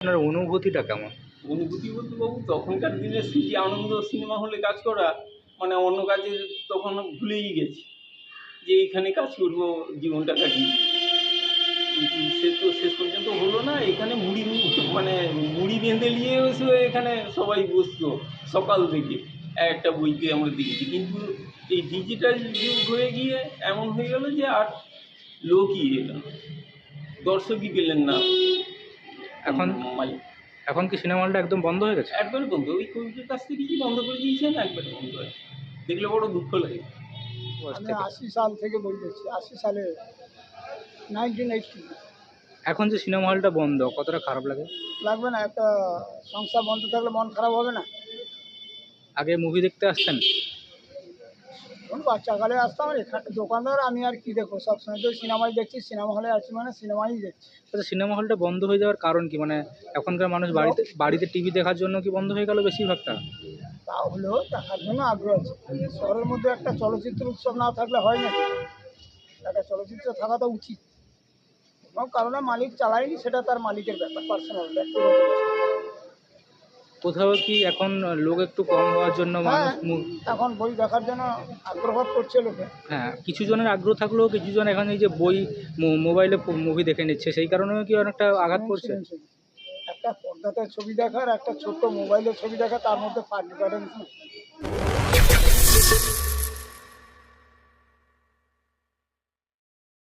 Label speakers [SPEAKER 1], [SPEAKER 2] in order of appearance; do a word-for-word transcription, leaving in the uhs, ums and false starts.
[SPEAKER 1] আপনার অনুভূতিটা কেমন?
[SPEAKER 2] অনুভূতি বলতে বাবু তখনকার দিনে স্মৃতি আনন্দ সিনেমা হলে কাজ করা মানে অন্য কাজে তখন ভুলেই গেছি যে এইখানে কাজ করব জীবনটা কাটিয়ে। কিন্তু সে তো শেষ পর্যন্ত হলো না। এখানে মুড়ি মানে মুড়ি বেঁধে নিয়ে এসে এখানে সবাই বসতো সকাল থেকে একটা বইতে আমরা দেখেছি। কিন্তু এই ডিজিটাল যুগ হয়ে গিয়ে এমন হয়ে গেল যে আর লোকই এলো না, দর্শকই পেলেন না।
[SPEAKER 1] এখন
[SPEAKER 2] মালিক
[SPEAKER 1] এখন কি সিনেমা হলটা একদম বন্ধ হয়ে গেছে?
[SPEAKER 2] একবারে বন্ধ, ওই কোভিডের কাছ থেকে কি বন্ধ করে দিয়েছেন, একবারে বন্ধ হয়ে দেখলে বড় দুঃখ লাগে।
[SPEAKER 3] আমি আশি সাল থেকে বলতেছি, আশি সালে নাইনটিন এইটটি।
[SPEAKER 1] এখন যে সিনেমা হলটা বন্ধ কতটা খারাপ লাগে?
[SPEAKER 3] লাগবে না? একটা সংসার বন্ধ থাকলে মন খারাপ হবে না?
[SPEAKER 1] আগে মুভি দেখতে আসতেন?
[SPEAKER 3] তখন বাচ্চাকালে আসতাম, আর এখানে দোকানদার আমি আর কি দেখবো, সবসময় তো সিনেমাই দেখছি, সিনেমা হলে আছি মানে সিনেমাই দেখছি।
[SPEAKER 1] আচ্ছা, সিনেমা হলটা বন্ধ হয়ে যাওয়ার কারণ কি? মানে এখনকার মানুষ বাড়িতে বাড়িতে টিভি দেখার জন্য কি বন্ধ হয়ে গেল বেশিরভাগটা?
[SPEAKER 3] তাহলেও দেখার জন্য আগ্রহ আছে। শহরের মধ্যে একটা চলচ্চিত্র উৎসব না থাকলে হয় না? একটা চলচ্চিত্র থাকা তো উচিত। কোনো কারণে মালিক চালায়নি, সেটা তার মালিকের ব্যাপার, পার্সোনাল ব্যক্তিগত ব্যাপার।
[SPEAKER 1] কোথাও কি এখন লোক একটু কম হওয়ার জন্য
[SPEAKER 3] হ্যাঁ,
[SPEAKER 1] মানুষ মু-
[SPEAKER 3] এখন বই দেখার জন্য আগ্রহ করছে লোকে।
[SPEAKER 1] হ্যাঁ, কিছু জনের আগ্রহ থাকলেও কিছু জন এখন এই যে বই মো- মোবাইলে মুভি দেখে নিচ্ছে, সেই কারণেও কি অনেকটা আঘাত পড়ছে?
[SPEAKER 3] শুনুন, শুনুন, একটা পর্দাতে ছবি দেখার একটা ছোট্ট মোবাইলের ছবি দেখা, তার মধ্যে ফার্ক ডিফারেন্স।